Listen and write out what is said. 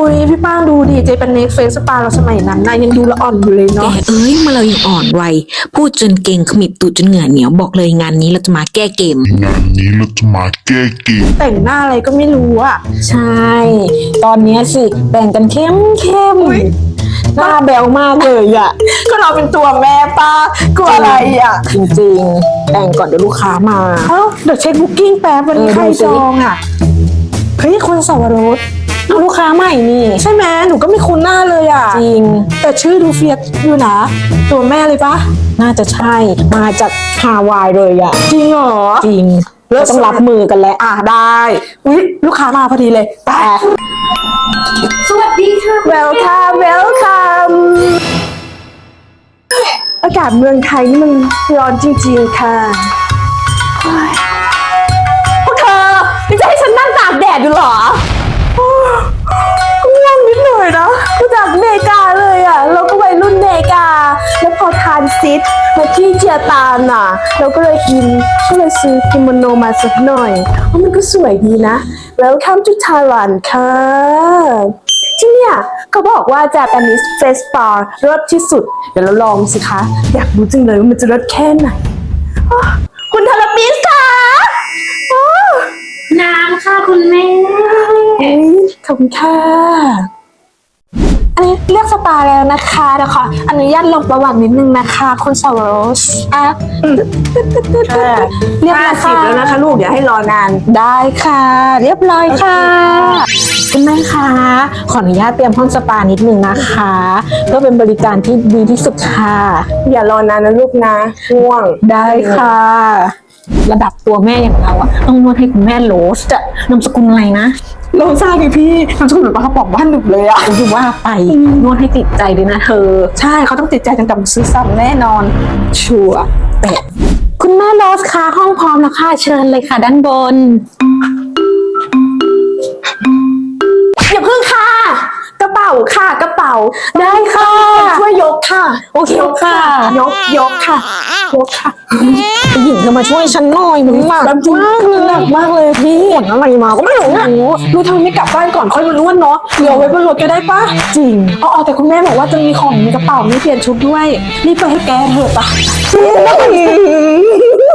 ยพี่ป้างดูดิเจเป็นเน็กเฟสปาเราสมัยนั้นนายยังดูละอ่อนอยู่เลยแกเนาะเอ้ยมาเรายังอ่อนวัยพูดจนเก่งขมิบตูดจนเหงื่อเหนียวบอกเลยงานนี้เราจะมาแก้เกมงานนี้เราจะมาแก้เกมแต่งหน้าอะไรก็ไม่รู้อะใช่ ตอนเนี้ยสิแต่งกันเข้มหน้าแบวมากเลยอ่ะก็เราเป็นตัวแม่ป้ากลัวอะไรอะจริงๆ แต่งก่อนเดี๋ยวลูกค้ามาเอ้าเดี๋ยวเช็คบุ๊กิ้งแป๊บวันนี้ใครดูสิจองอะเฮ้ยคนสวรสเอาลูกค้าใหม่นี่ใช่ไหมหนูก็ไม่คุ้นหน้าเลยอะจริงแต่ชื่อดูเฟียสอยู่นะตัวแม่เลยปะน่าจะใช่ มาจากฮาวายเลยอ่ะจริงเหรอจริงเราต้องรับมือกันแล้วได้อุ๊ยลูกค้ามาพอดีเลยไปสวัสดีค่ะ welcome อากาศเมืองไทยนี่มันร้อนจริงๆค่ะพวกเธอไม่จะให้ฉันนั่งตากแดดอยู่เหรอก็ง่วงนิดหน่อยนะมาจากอเมริกาเลยอ่ะเราก็วัยรุ่นอเมริกา แล้วพอทานซิดมาที่เจียตานอ่ะ เราก็เลยอินก็เลยซื้อกิโมโนมาสักหน่อยเพราะมันก็สวยดีนะ Welcome to Thailand ค่ะที่เนี่ยเขาบอกว่า Japanese Face Spa รสที่สุด เดี๋ยวเราลองสิคะ อยากรู้จังเลยว่ามันจะรสแค่ไหนอ้อคุณทาราปิสค่ะอ้อน้ำค่ะคุณแม่เอ้ยขอบคุณค่ะ อันนี้เลือกสปาแล้วนะคะเดี๋ยวขออนุญาตลงประวัตินิดนึงนะคะคุณสาวรสเรียบร้อยค่ะแล้วนะคะลูกอย่าให้รอนานได้ค่ะ เรียบร้อยค่ะคุณแม่คะขออนุญาตเตรียมห้องสปานิดนึงนะคะเพื่อเป็นบริการที่ดีที่สุดค่ะอย่ารอนานนะลูกนะง่วงได้ค่ะ ระดับตัวแม่อย่างเราอะต้องนวดให้คุณแม่โรสอะนามสกุลอะไรนะโลซ่าไงพี่ทำสกุลเหมือนปลากระป๋องบ้านหนึบเลยอะถือว่าไปนวดให้ติดใจเลยนะเธอใช่เขาต้องติดใจกันกับซื้อซ้ำแน่นอนชัวร์แต่คุณแม่โรสคะห้องพร้อมแล้วค่ะเชิญเลยค่ะด้านบนอย่าเพิ่งค่ะ กระเป๋าค่ะกระเป๋าได้ค่ะช่วยยกค่ะโอเคค่ะยกค่ะยกค่ะผู้หญิงเธอมาช่วยฉันหน่อยมันหนักมากเลยหนักมากเลยพี่ปวดอะไรมาก็ไม่รู้อะโอ้รู้ทำไมไม่กลับบ้านก่อนค่อยมานวดเนาะเดี๋ยวไว้บนรถก็ได้ปะจริงอ๋อแต่คุณแม่บอกว่าจะมีของในกระเป๋าไม่เปลี่ยนชุดด้วยรีบไปให้แกเถอะปะ